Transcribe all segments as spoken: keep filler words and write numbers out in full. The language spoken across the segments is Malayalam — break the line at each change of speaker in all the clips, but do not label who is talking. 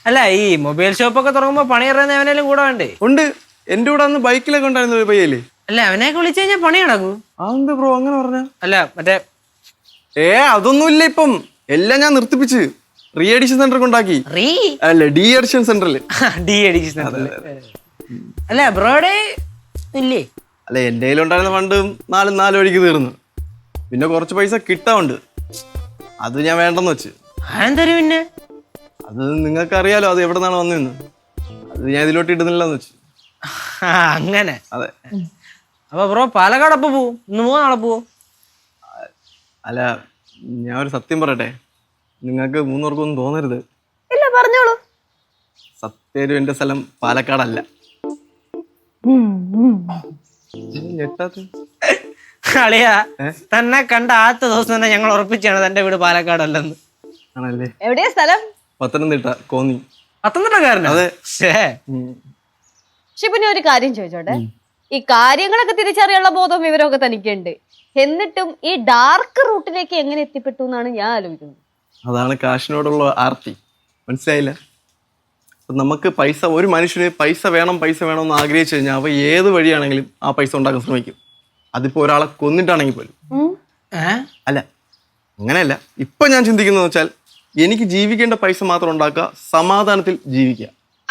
അല്ല ഈ മൊബൈൽ ഷോപ്പൊക്കെ തുടങ്ങുമ്പോ പണി അറിയുന്ന അവനേലും കൂടെ വേണ്ടേ?
ഉണ്ട്. എന്റെ കൂടെ അന്ന് ബൈക്കിലൊക്കെ ഉണ്ടായിരുന്ന ഒരു പയ്യല്ലേ.
അല്ല അവനെയൊക്കെ വിളിച്ചു കഴിഞ്ഞാൽ പണി നടക്കൂ.
അതെന്താ ബ്രോ അങ്ങനെ പറഞ്ഞ?
അല്ല മറ്റേ
ഏ അതൊന്നുമില്ല. ഇപ്പം എല്ലാം ഞാൻ നിർത്തിപ്പിച്ച് റീ എഡിഷൻ സെന്റർ കൊണ്ടാക്കി.
റീ
അല്ല ഡി എഡിഷൻ സെന്ററിൽ.
ഡി എഡിഷൻ സെന്ററിൽ. അല്ല ബ്രോയുടെ ഇല്ലേ?
അല്ല എന്റെ കയ്യിലുണ്ടായിരുന്ന ഫണ്ട് നാലും നാല് വഴിക്ക് തീർന്നു. പിന്നെ കുറച്ച് പൈസ കിട്ടാറുണ്ട്. അത് ഞാൻ വേണ്ടെന്ന് വെച്ച്.
അതെന്തരും പിന്നെ?
അത് നിങ്ങൾക്ക് അറിയാലോ അത് എവിടെ നിന്നാണ് വന്നതെന്ന്. അത് ഞാൻ ഇതിലോട്ട് ഇടുന്നില്ലെന്ന് വെച്ച്.
അങ്ങനെ.
അതെ.
അപ്പൊ ബ്രോ പാലക്കാട് അപ്പൊ പോവും? ഇന്ന് പോവാ നാളെ പോവോ?
അല്ല ഞാൻ ഒരു സത്യം പറയട്ടെ, നിങ്ങൾക്ക് മൂന്നുപേർക്കൊന്നും തോന്നരുത്.
ഇല്ല പറഞ്ഞോളൂ.
സത്യം എന്റെ സ്ഥലം പാലക്കാടല്ല. ഞെട്ടാത്ത
അളിയാ തന്നെ കണ്ട ആദ്യത്തെ ദിവസം തന്നെ ഞങ്ങൾ ഉറപ്പിച്ചാണ് തന്റെ വീട് പാലക്കാടല്ലെന്ന്.
ആണല്ലേ?
എവിടെയാ സ്ഥലം?
പത്തനംതിട്ട കോന്നി.
പത്തനംതിട്ടക്കാരനാ?
അതെ.
ഷിബിന് ഒരു കാര്യം ചോദിച്ചോട്ടെ, ഈ കാര്യങ്ങളൊക്കെ തിരിച്ചറിയാനുള്ള ബോധവും വിവരമൊക്കെ തനിക്കുണ്ട്, എന്നിട്ടും ഈ ഡാർക്ക് റൂട്ടിലേക്ക് എങ്ങനെ എത്തിപ്പെട്ടു എന്നാണ് ഞാൻ ആലോചിക്കുന്നത്.
അതാണ് കാശിനോടുള്ള ആർത്തി. മനസ്സിലായില്ല? നമുക്ക് പൈസ, ഒരു മനുഷ്യന് പൈസ വേണം പൈസ വേണം എന്ന് ആഗ്രഹിച്ചു കഴിഞ്ഞാൽ അവ ഏത് വഴിയാണെങ്കിലും ആ പൈസ ഉണ്ടാക്കാൻ ശ്രമിക്കും. അതിപ്പോ ഒരാളെ കൊന്നിട്ടാണെങ്കിൽ പോലും. അല്ല അങ്ങനെയല്ല. ഇപ്പൊ ഞാൻ ചിന്തിക്കുന്നത് വെച്ചാൽ എനിക്ക് ജീവിക്കേണ്ട പൈസ മാത്രം ഉണ്ടാക്കുക, സമാധാനത്തിൽ ജീവിക്കുക.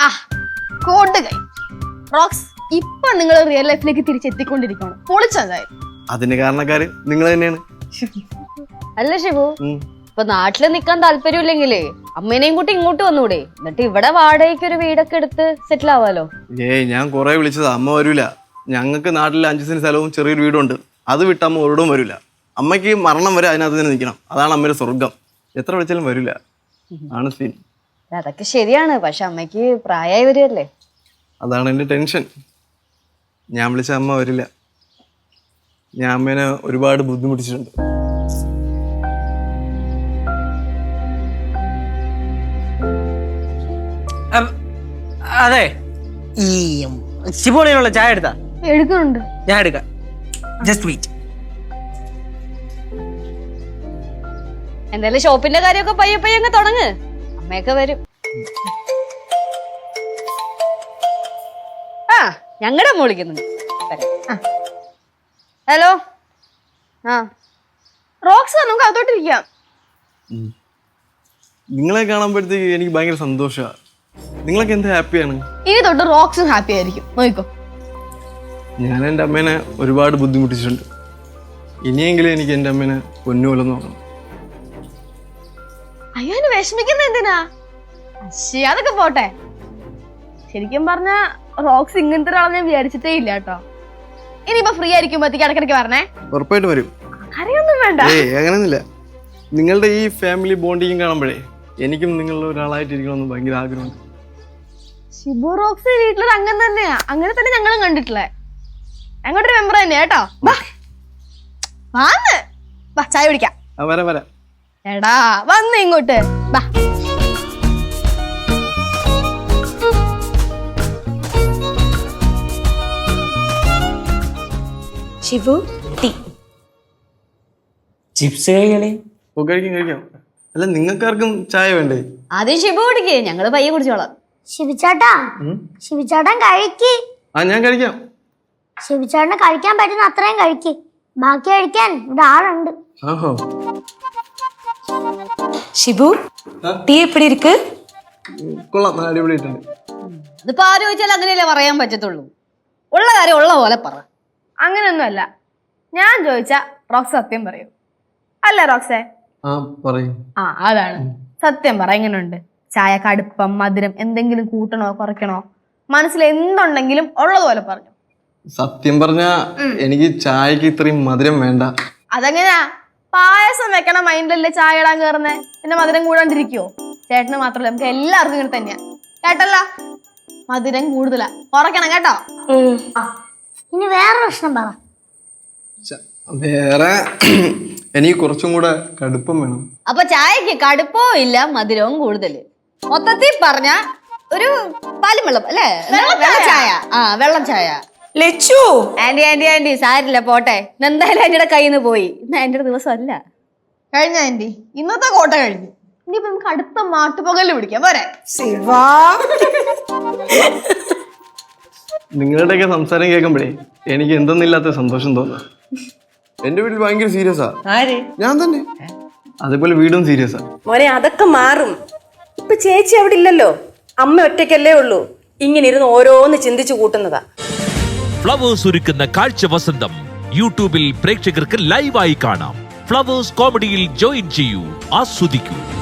റോക്സ്, ഇപ്പൊ നിങ്ങൾ റിയൽ ലൈഫിലേക്ക് തിരിച്ചെത്തിക്കൊണ്ടിരിക്കുകയാണ്. പൊളിച്ചതായി.
അതിന് കാരണക്കാര് നിങ്ങൾ തന്നെയാണ്.
അല്ല ഷിബു, ഇപ്പൊ നാട്ടില് നിക്കാൻ താല്പര്യമില്ലെങ്കിലേ അമ്മേനെയും കൂട്ടി ഇങ്ങോട്ട് വന്നൂടെ? എന്നിട്ട് ഇവിടെ വാടകയ്ക്ക് ഒരു വീടൊക്കെ എടുത്ത് സെറ്റിൽ ആവാലോ.
ഏയ് ഞാൻ കുറെ വിളിച്ചതാ, അമ്മ വരൂല. ഞങ്ങൾക്ക് നാട്ടിൽ അഞ്ചു സെന്റ് സ്ഥലവും ചെറിയൊരു വീടുണ്ട്. അത് വിട്ട അമ്മ ഒരിടവും വരൂല. അമ്മയ്ക്ക് മരണം വരെ അതിനകത്ത് തന്നെ നിൽക്കണം. അതാണ് അമ്മയുടെ സ്വർഗം. എത്ര വിളിച്ചാലും വരൂല. ആണ് സീൻ.
അതൊക്കെ ശരിയാണ്, പക്ഷെ അമ്മയ്ക്ക് പ്രായമായി വരികയല്ലേ.
അതാണ് എൻ്റെ ടെൻഷൻ. ഞാൻ വിളിച്ച അമ്മ വരില്ല. ഞാൻ അമ്മേനെ ഒരുപാട് ബുദ്ധിമുട്ടിച്ചിട്ടുണ്ട്.
അതെ, ഈ ശിവോളിയിലുള്ള ചായ എടുത്താ?
എടുക്കുന്നുണ്ട്.
ഞാൻ എടുക്കാം. Just wait.
എന്തായാലും ഷോപ്പിന്റെ കാര്യമൊക്കെ പയ്യെ പയ്യെ അങ്ങ് തുടങ്ങ്. അമ്മയൊക്കെ വരും. ആ ഞങ്ങളുടെ അമ്മ വിളിക്കുന്നുണ്ട്. ഹലോ. ആ റോക്സ്, നമുക്ക് അകത്തോട്ടിരിക്കാം.
നിങ്ങളെ കാണുമ്പോഴത്തേക്ക് എനിക്ക് ഭയങ്കര സന്തോഷമാണ്. നിങ്ങളൊക്കെ എന്ത് ഹാപ്പിയാണ്.
ഇനി തൊട്ട് റോക്സും ഹാപ്പി ആയിരിക്കും. നോക്കോ,
ഞാൻ എൻ്റെ അമ്മേനെ ഒരുപാട് ബുദ്ധിമുട്ടിച്ചിട്ടുണ്ട്. ഇനിയെങ്കിലും എനിക്ക് എൻ്റെ അമ്മേനെ പൊന്നുപോലെ നോക്കണം.
അയ്യോ വിഷമിക്കുന്ന എന്തിനാ? ശരി, അതൊക്കെ പോട്ടെ. ശരിക്കും പറഞ്ഞ റോക്സ് ഇങ്ങനത്തെ ഒരാളെ ഞാൻ വിചാരിച്ചിട്ടേ ഇല്ല കേട്ടോ. ഇനിയിപ്പോ ഫ്രീ ആയിരിക്കുമ്പോഴത്തേക്ക് ഇടക്കിടക്ക് പറഞ്ഞേ.
ഉറപ്പായിട്ട് വരും.
അറിയൊന്നും വേണ്ട.
ഏയ് അങ്ങനെയൊന്നുമില്ല. നിങ്ങളുടെ ഈ ഫാമിലി ബോണ്ടിങ് കാണുമ്പോഴേ എനിക്കും നിങ്ങളുടെ ഒരാളായിട്ടിരിക്കണമെന്ന് ഭയങ്കര ആഗ്രഹമുണ്ട്.
ഷിബു റോക്സ് വീട്ടിലൊരു അംഗം തന്നെയാ. അങ്ങനെ തന്നെ ഞങ്ങളും കണ്ടിട്ടില്ലേ. ഞങ്ങളുടെ മെമ്പർ തന്നെയാ കേട്ടോ. വാന്ന് വാ, ചായ കുടിക്കാം.
വരാം വരാം.
എടാ വന്ന് ഇങ്ങോട്ട് വാ.
ഷിബു ടീ.
ചിപ്സ് കഴിക്കണേ?
ഓ കഴിക്കാം കഴിക്കാം. അല്ല നിങ്ങൾക്കാർക്കും ചായ വേണ്ടേ?
ആദ്യം ഷിബു കുടിക്കേ, ഞങ്ങള് പയ്യെ കുടിച്ചോളാം.
ശിവചേട്ടാ, ശിവചേട്ടൻ കഴിക്ക്.
ആ ഞാൻ കഴിക്കാം.
ശിവചേട്ടന് കഴിക്കാൻ പറ്റുന്ന അത്രയും കഴിക്ക്. ബാക്കി കഴിക്കാൻ ഇവിടെ ആളുണ്ട്.
ആഹോ.
ഷിബു ടീ എപ്പടി ഇരിക്ക്?
കൊള്ളാം, അടിപൊളിയായിട്ടുണ്ട്.
ഇതിപ്പോ ആര് ചോദിച്ചാൽ അങ്ങനെയല്ലേ പറയാൻ പറ്റത്തുള്ളൂ. ഉള്ള കാര്യം ഉള്ള പോലെ പറ.
അങ്ങനെയൊന്നുമല്ല. ഞാൻ ചോദിച്ച റോക്സ് സത്യം പറയൂ. അല്ല റോക്സേ?
ആ പറയും.
ആ അതാണ് സത്യം. പറ, എങ്ങനെയുണ്ട് ചായ? കടുപ്പം, മധുരം എന്തെങ്കിലും കൂട്ടണോ കുറയ്ക്കണോ? മനസ്സിൽ എന്തുണ്ടെങ്കിലും ഉള്ളതുപോലെ പറഞ്ഞു.
സത്യം പറഞ്ഞ എനിക്ക് ചായക്ക് ഇത്രയും മധുരം വേണ്ട.
അതെങ്ങനെയാ? പായസം വെക്കണ മൈൻഡിലല്ലേ ചായ ഇടാൻ കയറുന്നേ. പിന്നെ മധുരം കൂടാണ്ടിരിക്കുവോ? ചേട്ടന് മാത്രമല്ല, നമുക്ക് എല്ലാവർക്കും ഇങ്ങനെ തന്നെയാ. കേട്ടല്ല, മധുരം കൂടുതലാ, കുറയ്ക്കണം കേട്ടോ.
ഇനി വേറെ പ്രശ്നം പറ.
വേറെ എനിക്ക് കുറച്ചും കൂടെ കടുപ്പം വേണം.
അപ്പൊ ചായക്ക് കടുപ്പവും ഇല്ല, മധുരവും കൂടുതല്. മൊത്തത്തിൽ പറഞ്ഞ ഒരു പാലും വെള്ളം അല്ലേ? വെള്ളം ചായ. ആ വെള്ളം ചായ.
ലച്ചു
ആന്റി ആന്റി ആന്റി സാരില്ല, പോട്ടെ. എന്തായാലും ആന്റിയുടെ കയ്യിൽ നിന്ന് പോയി. ഇന്ന് ആന്റിയുടെ ദിവസം അല്ല.
കഴിഞ്ഞ ആന്റി, ഇന്നത്തെ കോട്ട കഴിഞ്ഞു. ഇനിയിപ്പോ നമുക്ക് അടുത്ത മാട്ടുപകല് പിടിക്കാം പോരെ.
ശിവാ
നിങ്ങളുടെയൊക്കെ സംസാരം കേൾക്കുമ്പോഴേ എനിക്ക് എന്തെന്നില്ലാത്ത സന്തോഷം തോന്നുന്നു.
എന്റെ വീട്ടിൽ ഭയങ്കര സീരിയസാ.
ആര്?
ഞാൻ തന്നെ.
അതേപോലെ വീടും സീരിയസാ.
മോനെ അതൊക്കെ മാറും. ഇപ്പൊ ചേച്ചി അവിടെ ഇല്ലല്ലോ, അമ്മ ഒറ്റയ്ക്കല്ലേ ഉള്ളൂ. ഇങ്ങനെ ഇരുന്ന് ഓരോന്ന് ചിന്തിച്ചു കൂട്ടുന്നതാ.
ഫ്ലവേഴ്സ് ഒരുക്കുന്ന കാഴ്ച വസന്തം യൂട്യൂബിൽ പ്രേക്ഷകർക്ക് ലൈവായി കാണാം. ഫ്ലവേഴ്സ് കോമഡിയിൽ ജോയിൻ ചെയ്യൂ, ആസ്വദിക്കൂ.